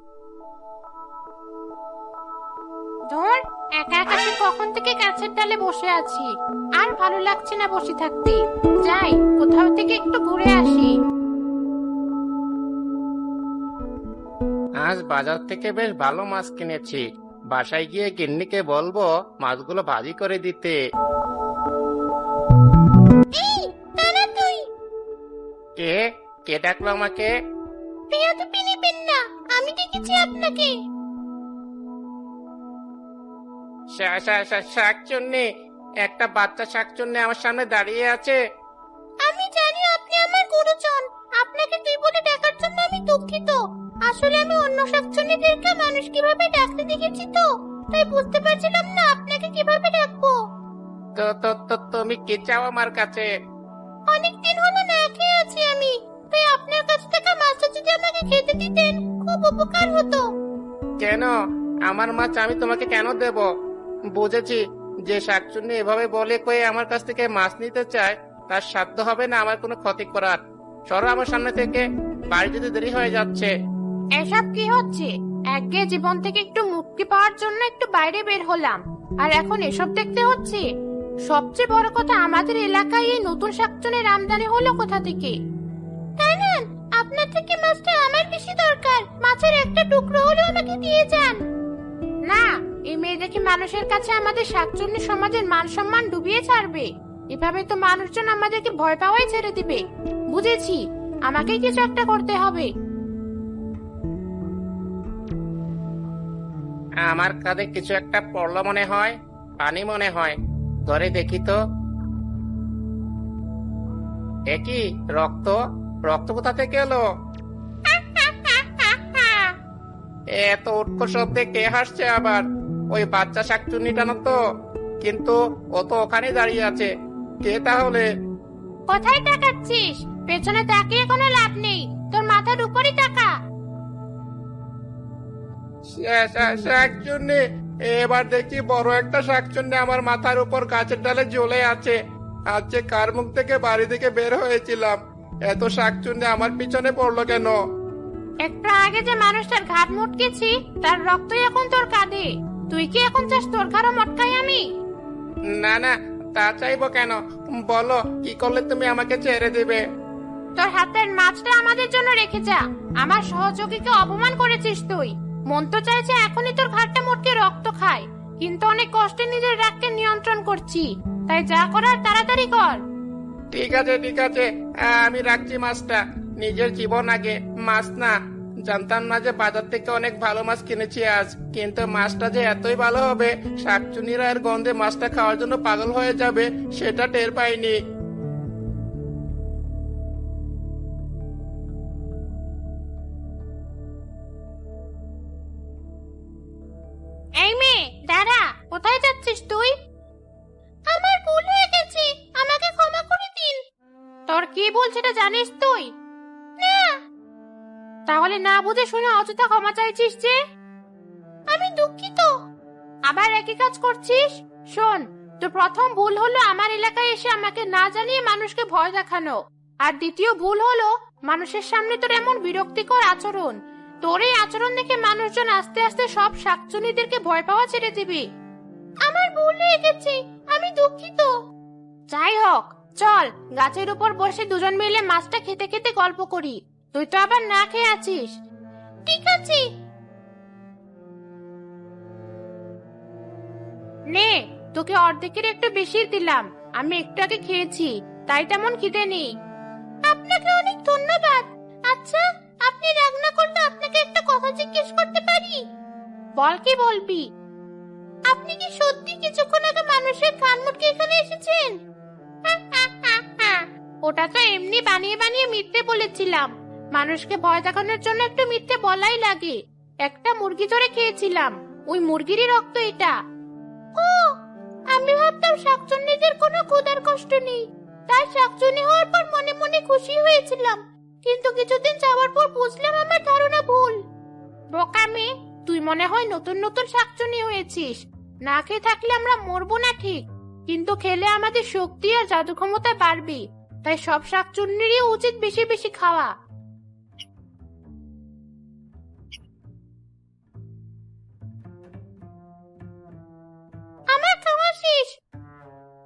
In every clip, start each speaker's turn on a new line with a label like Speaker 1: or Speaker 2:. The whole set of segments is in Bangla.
Speaker 1: ধর, একা একা সে কখন থেকে গাছের ডালে বসে আছি। আর ভালো লাগছে না বসে থাকতে। যাই, কোথাও থেকে একটু ঘুরে আসি।
Speaker 2: আজ বাজার থেকে বেশ ভালো মাছ কিনেছি। বাসায় গিয়ে গিন্নিকে বলবো মাছগুলো ভাজি করে দিতে।
Speaker 1: এই, দাঁড়া তুই।
Speaker 2: কে কে ডাকলো আমাকে?
Speaker 1: বেয়াদবি নিবেন না, আমি দেখেছি আপনাকে।
Speaker 2: শাকচুন্নি, একটা বাচ্চা শাকচুন্নি আমার সামনে দাঁড়িয়ে আছে।
Speaker 1: আমি জানি আপনি আমার গুরুজন। আপনাকে তুই বলে ডাকার জন্য আমি দুঃখিত। আসলে আমি অন্য শাকচুন্নিদেরকে মানুষ কিভাবে ডাকতে দেখেছি তো, তাই বুঝতে পারছিলাম না আপনাকে কিভাবে ডাকবো।
Speaker 2: তো তো তো তুমি কি চাও আমার কাছে?
Speaker 1: অনেকদিন হলো না খেয়ে আছি আমি, তাই আপনার কাছ থেকে মাছটা যদি আমাকে খেতে দিতেন খুব উপকার হতো।
Speaker 2: কেন? আমার মাছ আমি তোমাকে কেন দেব? বুঝেছি, যে শাকচুন্নি এভাবে বলে কয়ে আমার কাছ থেকে মাছ নিতে চায় তার সাধ্য হবে না আমার কোনো ক্ষতি করার। সরো আমার সামনে থেকে, বাড়ি যেতে দেরি হয়ে যাচ্ছে।
Speaker 1: এসব কি হচ্ছে? একঘেয়ে জীবন থেকে একটু মুক্তি পাওয়ার জন্য একটু বাইরে বের হলাম, আর এখন এসব দেখতে হচ্ছে। সবচেয়ে বড় কথা, আমাদের এলাকায় এই নতুন শাকচুন্নির আমদানি হলো কোথা থেকে? কারণ আপনার থেকে মাছটা আমার বেশি দরকার। মাছের একটা টুকরো হলেও আমাকে দিয়ে যান। না, এই মেয়ে দেখি মানুষের কাছে আমাদের শাকচুন্নি সমাজের মান সম্মান ডুবিয়ে ছাড়বে। এভাবে তো মানুষজন আমাদেরকে ভয় পাওয়াই ছেড়ে দিবে। বুঝেছি, আমাকেই কিছু একটা করতে হবে।
Speaker 2: আমার কাঁধে কিছু একটা পড়লো মনে হয়, পানি মনে হয়। ধরে দেখি তো। একই রক্ত, রক্ত কোথা থেকে এলো? এত উৎকট শব্দে কে হাসছে আবার? ওই বাচ্চা শাকচুন্নিটা না তো? কিন্তু ও তো ওখানে দাঁড়িয়ে আছে। কে তাহলে?
Speaker 1: কোথায় তাকাচ্ছিস? পেছনে তাকিয়ে কোনো লাভ নেই, তোর মাথার উপরই তাকা।
Speaker 2: শাকচুন্নি, এবার দেখি বড় একটা শাকচুন্নি আমার মাথার উপর গাছের ডালে ঝুলে আছে। আজ যে কার মুখ থেকে বাড়ি থেকে বের হয়েছিলাম, এত শাকচুন্নি আমার পিছনে পড়লো কেন?
Speaker 1: একটু আগে যে মানুষটার ঘাট মুটকেছি, তার রক্তই এখন তোর কাঁধে। তুই কি এখন চাস তোর ঘাড়ও মটকাই আমি?
Speaker 2: না না, তা চাইবো কেন? বলো, কি করলে তুমি আমাকে ছেড়ে দিবে?
Speaker 1: তোর হাতের মাছটা আমাদের জন্য রেখে যা। আমার সহযোগীকে অপমান করেছিস তুই। মন তো চাইছে এখনই তোর ঘাটটা মটকে রক্ত খায়, কিন্তু অনেক কষ্টে নিজের রাগকে নিয়ন্ত্রণ করছি। তাই যা করার তাড়াতাড়ি কর।
Speaker 2: ঠিক আছে ঠিক আছে, আমি রাখছি মাছটা। নিজের জীবন আগে, মাছ না। জানতাম না যে বাজার থেকে অনেক ভালো মাছ কিনেছি আজ, কিন্তু মাছটা যে এতই ভালো হবে, শাকচুনিরা এর গন্ধে মাছটা খাওয়ার জন্য পাগল হয়ে যাবে, সেটা টের পাইনি।
Speaker 1: এই মেয়ে, দাঁড়া। কোথায় যাচ্ছিস তুই? আমার ভুল হয়ে গেছে, আমাকে ক্ষমা করে দিন। তোর কি ভুল সেটা জানিস তুই? না। তাহলে না বুঝে শুনে অযথা ক্ষমা চাইছিস যে? আমি দুঃখিত। আবার একই কাজ করছিস? শোন, তোর প্রথম ভুল হলো আমার এলাকায় এসে আমাকে না জানিয়ে মানুষকে ভয় দেখানো। আর দ্বিতীয় ভুল হলো মানুষের সামনে তোর এমন বিরক্তিকর আচরণ। তোর এই আচরণ দেখে মানুষজন আস্তে আস্তে সব শাকচুন্নিদেরকে ভয় পাওয়া ছেড়ে দিবি। আমার ভুল হয়ে গেছে, আমি দুঃখিত। যাই হোক, চল গাছের উপর বসে দুজন মিলে মাছটা খেতে খেতে গল্প করি। তুই তো আবার না খেয়ে আছিস। ঠিক আছে। নে, তোকে অর্ধেকের একটু বেশি দিলাম। আমি একটু আগে খেয়েছি, তাই তেমন খিদে নেই। আপনাকে অনেক ধন্যবাদ। আচ্ছা, আপনি রাগ না করলে আপনাকে একটা কথা জিজ্ঞেস করতে পারি? বল, কি বলবি? আপনি কি সত্যি কিছুক্ষণ আগে মানুষের কান মুটকে এখানে এসেছেন? ওটা তো এমনি বানিয়ে বানিয়ে মিথ্যে বলেছিলাম। মানুষকে ভয় দেখানোর জন্য একটু মিথ্যে বলাই লাগে। একটা মুরগি ধরে খেয়েছিলাম, ওই মুরগিরই রক্ত এটা। ও, আমি ভাবতাম শাকচুন্নিদের কোনো ক্ষুধার কষ্ট নেই, তাই শাকচুন্নি হওয়ার পর মনে মনে খুশি হয়েছিলাম। কিন্তু কিছুদিন যাওয়ার পর বুঝলাম আমার ধারণা ভুল। বোকা মেয়ে, তুই মনে হয় নতুন নতুন শাকচুন্নি হয়েছিস। না খেয়ে থাকলে আমরা মরবো না ঠিক, কিন্তু খেলে আমাদের শক্তি আর জাদু ক্ষমতা বাড়বে। তাই সব শাকচুন্নিরই উচিত বেশি বেশি খাওয়া।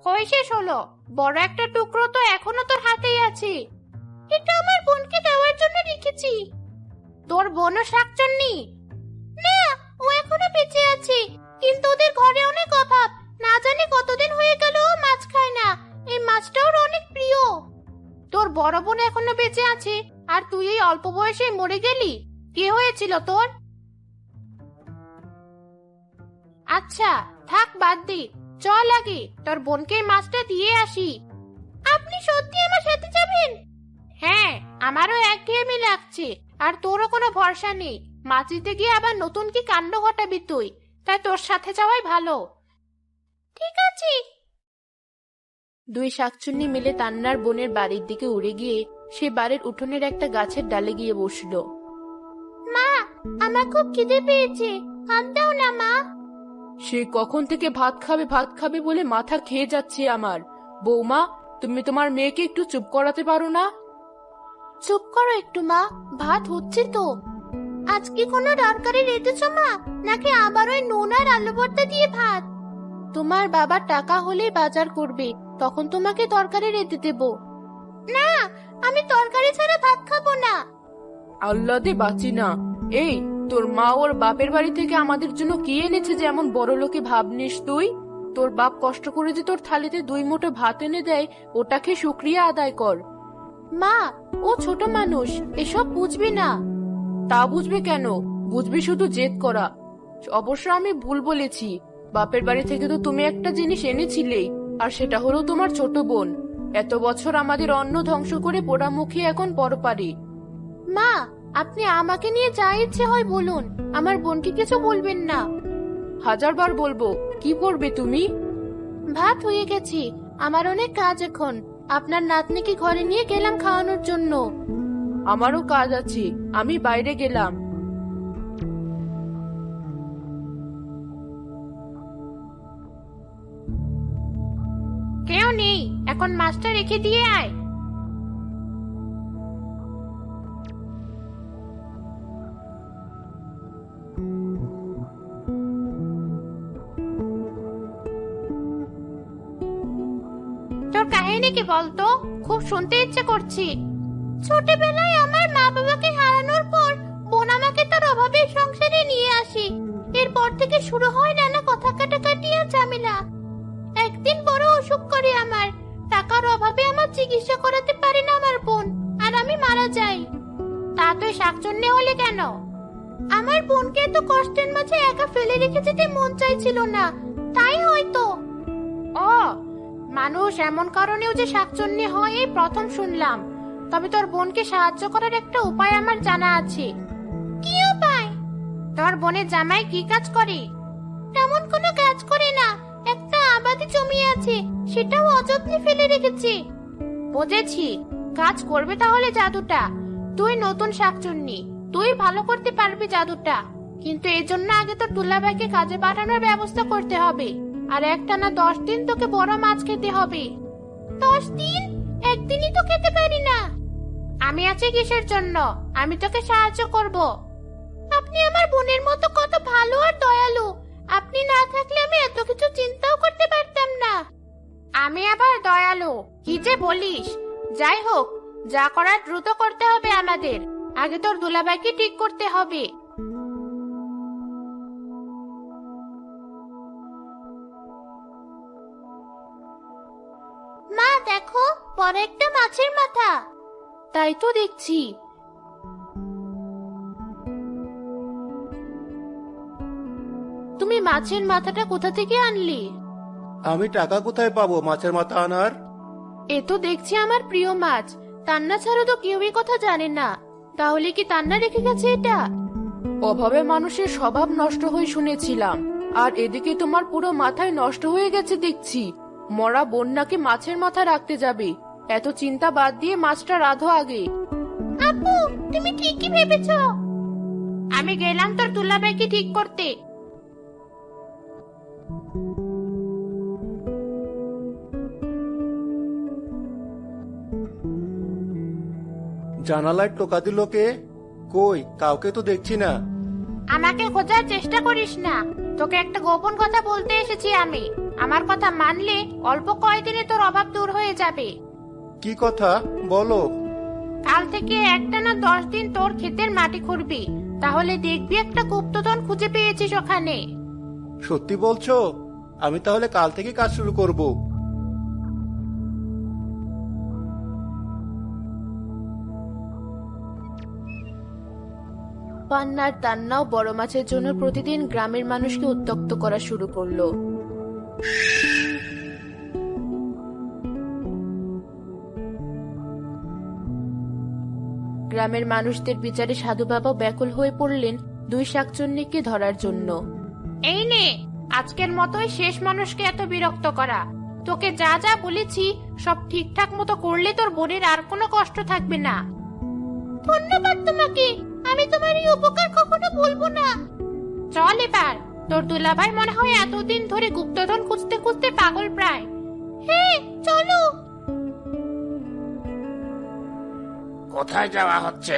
Speaker 1: কই শেষ হলো? বড় একটা টুকরো তো এখনো তোর হাতেই আছে। এটা আমার বোনকে দেওয়ার জন্য রেখেছি। তোর বোনও শাকচুন্নি? না, ও এখনো বেঁচে আছে, কিন্তু ওদের ঘরে অনেক অভাব। না জানি কতদিন হয়ে গেল ও মাছ খায় না। এই মাছটা ওর অনেক প্রিয়। তোর বড় বোন এখনো বেঁচে আছে, আর তুই এই অল্প বয়সে মরে গেলি? কি হয়েছিল তোর? আচ্ছা থাক, বাদ দি। চল আগে তোর বোনকে এই মাছটা দিয়ে আসি। আপনি সত্যি আমার সাথে যাবেন? হ্যাঁ, আমারও একঘেয়েমি লাগছে, আর তোরও কোনো ভরসা নেই। মাছ দিতে গিয়ে আবার নতুন কি কাণ্ড ঘটাবি তুই, তাই তোর সাথে যাওয়াই ভালো। ঠিক আছে। দুই শাকচুন্নি মিলে তান্নার বোনের বাড়ির দিকে উড়ে গিয়ে সে বাড়ির উঠোনের একটা গাছের ডালে গিয়ে বসলো। মা, আমার খুব খিদে পেয়েছে, ভাত দাও না মা।
Speaker 3: সে কখন থেকে ভাত খাবে বলে মাথা খেয়ে যাচ্ছে আমার। বৌমা, তুমি তোমার মেয়েকে একটু চুপ করাতে পারো না?
Speaker 1: চুপ করো একটু মা, ভাত হচ্ছে তো। আজকে কোনো তরকারি রেঁধেছো মা, নাকি আবার ওই নুন আর আলু ভর্তা দিয়ে ভাত? তোমার বাবার টাকা হলেই বাজার করবে, তখন তোমাকে তরকারি রেঁধে দেব। না, আমি তরকারি ছাড়া ভাত খাবো না।
Speaker 3: আল্লাহ দে বাঁচি না। এই, তোর মা ওর বাপের বাড়ি থেকে আমাদের জন্য কি এনেছে যে এমন বড় লোকে ভাবনিস তুই? তোর বাপ কষ্ট করে যে তোর থালিতে 2 মুঠো ভাত এনে দেয়, ওটাকে শুকরিয়া আদায় কর।
Speaker 1: মা, ও ছোট মানুষ, এসব বুঝবে না।
Speaker 3: তা বুঝবে কেন? বুঝবি শুধু জেদ করা। অবশ্য আমি ভুল বলেছি। বাপের বাড়ি থেকে তো তুমি একটা জিনিস এনেছিলেই, আর সেটা হলো তোমার ছোট বোন। এত বছর আমাদের অন্ন ধ্বংস করে পোড়ামুখী এখন পরপারে।
Speaker 1: মা, আপনি আমাকে নিয়ে যা ইচ্ছে হয় বলুন, আমার বোনকে কিছু বলবেন না।
Speaker 3: 1000 বার বলবো, কি করবে তুমি?
Speaker 1: ভাত হয়ে গেছে, আমার অনেক কাজ এখন। আপনার নাতনিকে ঘরে নিয়ে গেলাম খাওয়ানোর জন্য।
Speaker 3: আমারও কাজ আছে, আমি বাইরে গেলাম।
Speaker 1: কেউ নেই, এখন মাছটা রেখে দিয়ে আয়। তোর কাহিনী কি বলতো, খুব শুনতে ইচ্ছে করছে। ছোটবেলায় আমার মা বাবাকে হারানোর পর বোন আমাকে তার অভাবের সংসারে নিয়ে আসে। এরপর থেকে শুরু হয় নানা কথা কাটাকাটি আর ঝামেলা। একদিন বড় অসুখ করে আমার। টাকার অভাবে আমার চিকিৎসা করাতে পারে না আমার বোন, আর আমি মারা যাই। তা তুই শাকচুন্নি হলে কেন? আমার বোনকে এত কষ্টের মাঝে একা ফেলে রেখে যেতে মন চাইছিল না, তাই হয়তো। ও, মানুষ এমন কারণেও যে শাকচুন্নি হয় এই প্রথম শুনলাম। তবে তোর বোনকে সাহায্য করার একটা উপায় আমার জানা আছে। কি উপায়? তোর বোনের জামাই কি কাজ করে? তেমন কোনো কাজ করে না, একটা আবাদি জমি আছে, সেটাও অযত্নে ফেলে রেখেছে। বুঝেছি, কাজ করবে তাহলে জাদুটা। তুই নতুন শাকচুন্নি, তুই ভালো করতে পারবি জাদুটা, কিন্তু এর জন্য আগে তোর দুলাভাইকে কাজে পাঠানোর ব্যবস্থা করতে হবে। আর একটানা 10 দিন তোকে বড় মাছ খেতে হবে। 10 দিন? একদিনই তো খেতে পারি না। আমি আছি কিসের জন্য? আমি তোকে সাহায্য করব। আপনি আমার বোনের মতো কত ভালো আর দয়ালু। আপনি না থাকলে আমি এত কিছু চিন্তাও করতে পারতাম না। আমি আবার দয়ালু? কি যে বলিস! যাই হোক, যা করার দ্রুত করতে হবে আমাদের। আগে তোর দুলাভাইকে ঠিক করতে হবে। মা দেখো, বড় একটা মাছের মাথা। তাই তো দেখছি। তুমি মাছের মাথাটা কোথা থেকে আনলি?
Speaker 2: আমি টাকা কোথায় পাবো মাছের মাথা আনার?
Speaker 1: এ তো দেখছি আমার প্রিয় মাছ। তান্না ছাড়া তো কেউই কথা জানে না। তাহলে কি তান্না রেখে গেছে এটা?
Speaker 3: অভাবে মানুষের স্বভাব নষ্ট হয়ে শুনেছিলাম, আর এদিকে তোমার পুরো মাথায় নষ্ট হয়ে গেছে দেখছি। মরা বন্যাকে মাছের মাথা রাখতে যাবে? এত চিন্তা বাদ দিয়ে মাছটা রাধো আগে।
Speaker 1: আপু, তুমি ঠিকই ভেবেছো। আমি গেলাম তোর দুলাভাইকে ঠিক করতে।
Speaker 2: জানালায় টোকা দিল কে? কই, কাউকে তো দেখছি না।
Speaker 1: আমাকে খোঁজার চেষ্টা করিস না, তোকে একটা গোপন কথা বলতে এসেছি আমি। আমার কথা মানলে অল্প কয়দিনে তোর অভাব দূর হয়ে যাবে।
Speaker 4: কি কথা বলো?
Speaker 1: কাল থেকে একটানা 10 দিন তোর ক্ষেতের মাটি খুঁড়বি, তাহলে দেখবি একটা গুপ্তধন খুঁজে পেয়েছিস ওখানে।
Speaker 4: সত্যি বলছো? আমি তাহলে কাল থেকে কাজ শুরু করব।
Speaker 3: পান্নার তান্নাও বড় মাছের জন্য প্রতিদিন গ্রামের মানুষকে উত্ত্যক্ত করা শুরু করলো। গ্রামের মানুষদের বিচারে সাধু বাবা ব্যাকুল হয়ে পড়লেন 2 শাকচুন্নিকে ধরার জন্য।
Speaker 1: এই নে, আজকের মতোই শেষ মানুষকে এত বিরক্ত করা। তোকে যা যা বলেছি সব ঠিকঠাক মতো করলে তোর বোনের আর কোনো কষ্ট থাকবে না। ধন্যবাদ তোমাকে, আমি তোমার এই উপকার কখনো ভুলবো না। চল এবার, তোর দুলাভাই মনে হয় এতদিন ধরে গুপ্তধন খুঁজতে খুঁজতে পাগল প্রায়। হ্যাঁ চলো।
Speaker 2: কোথায় যাওয়া হচ্ছে?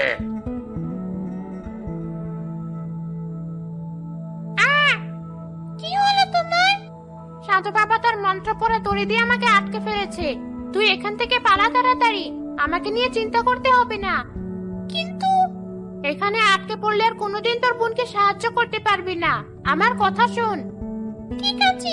Speaker 1: কি হলো তোমার? সাধু বাবা তার মন্ত্র পড়ে দড়ি দিয়ে আমাকে আটকে ফেলেছে। তুই এখান থেকে পালা তাড়াতাড়ি, আমাকে নিয়ে চিন্তা করতে হবে না। কিন্তু এখানে আটকে পড়লে আর কোনোদিন তোর বোনকে সাহায্য করতে পারবি না। আমার কথা শোন। ঠিক আছে।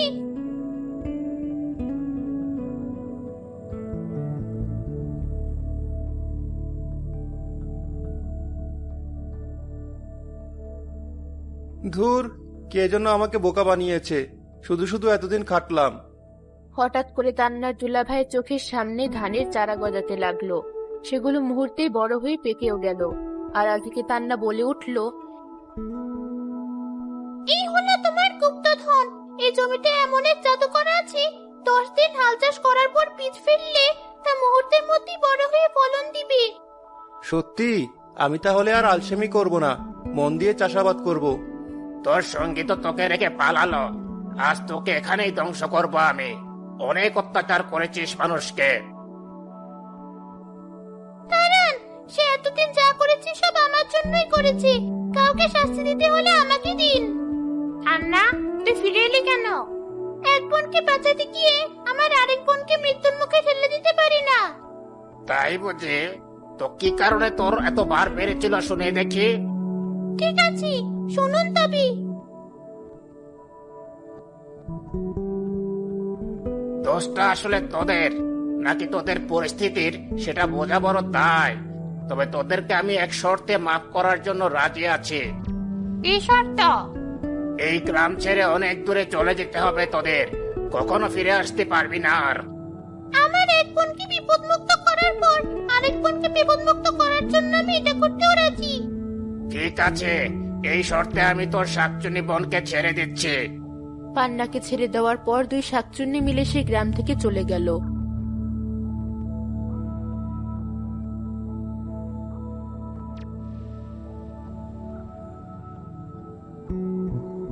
Speaker 4: ধুর, কে যেন আমাকে বোকা বানিয়েছে। শুধু শুধু এতদিন খাটলাম।
Speaker 3: হঠাৎ করে তান্নার দুলাভাইয়ের চোখের সামনে ধানের চারা গজাতে লাগলো। সেগুলো মুহূর্তেই বড় হয়ে পেকেও গেল। আড়াল থেকে তান্না বলে উঠল,
Speaker 1: এই হলো তোমার গুপ্তধন। এই জমিতে এমন এক জাদু করা আছে, 10 দিন হাল চাষ করার পর বীজ ফেললে তা মুহূর্তের মধ্যেই বড় হয়ে ফলন দিবে।
Speaker 4: সত্যি? আমি তাহলে আর আলসেমি করব না, মন দিয়ে চাষাবাদ করব।
Speaker 2: তোর সঙ্গী তো তোকে রেখে পালালো, আজ তোকে এখানেই ধ্বংস করবো আমি। অনেক অত্যাচার করেছিস মানুষকে।
Speaker 1: কারণ সে এতদিন যা করেছে সব আমার জন্যই করেছে। কাউকে শাস্তি দিতে হলে আমাকে দিন। আন্না, তুই ফিরে এলি কেন? এক বোনকে বাঁচাতে গিয়ে আমার আরেক বোনকে মৃত্যুর মুখে ঠেলে দিতে পারি না।
Speaker 2: তাই বুঝি? তো কি কারণে তোর এত বার বেড়েছিল শুনে দেখি।
Speaker 1: ঠিক আছে, শুনুন তবে।
Speaker 2: দোষটা আসলে তোদের নাকি তোদের পরিস্থিতির সেটা বোঝা বড় তাই। তবে তোদেরকে আমি এক শর্তে মাফ করার জন্য রাজি আছি।
Speaker 1: এই শর্ত?
Speaker 2: এই গ্রাম ছেড়ে অনেক দূরে চলে যেতে হবে তোদের, কখনো ফিরে আসতে পারবি না আর।
Speaker 1: আমার এক বোনকে বিপদমুক্ত করার পর আরেক বোনকে বিপদমুক্ত করার জন্য আমি এটা করতেও রাজি।
Speaker 2: ঠিক আছে, এই শর্তে আমি তোর শাকচুনি বোনকে ছেড়ে দিচ্ছি।
Speaker 3: পান্নাকে ছেড়ে দেওয়ার পর 2 শাকচুন্নি মিলে সেই গ্রাম থেকে চলে গেল।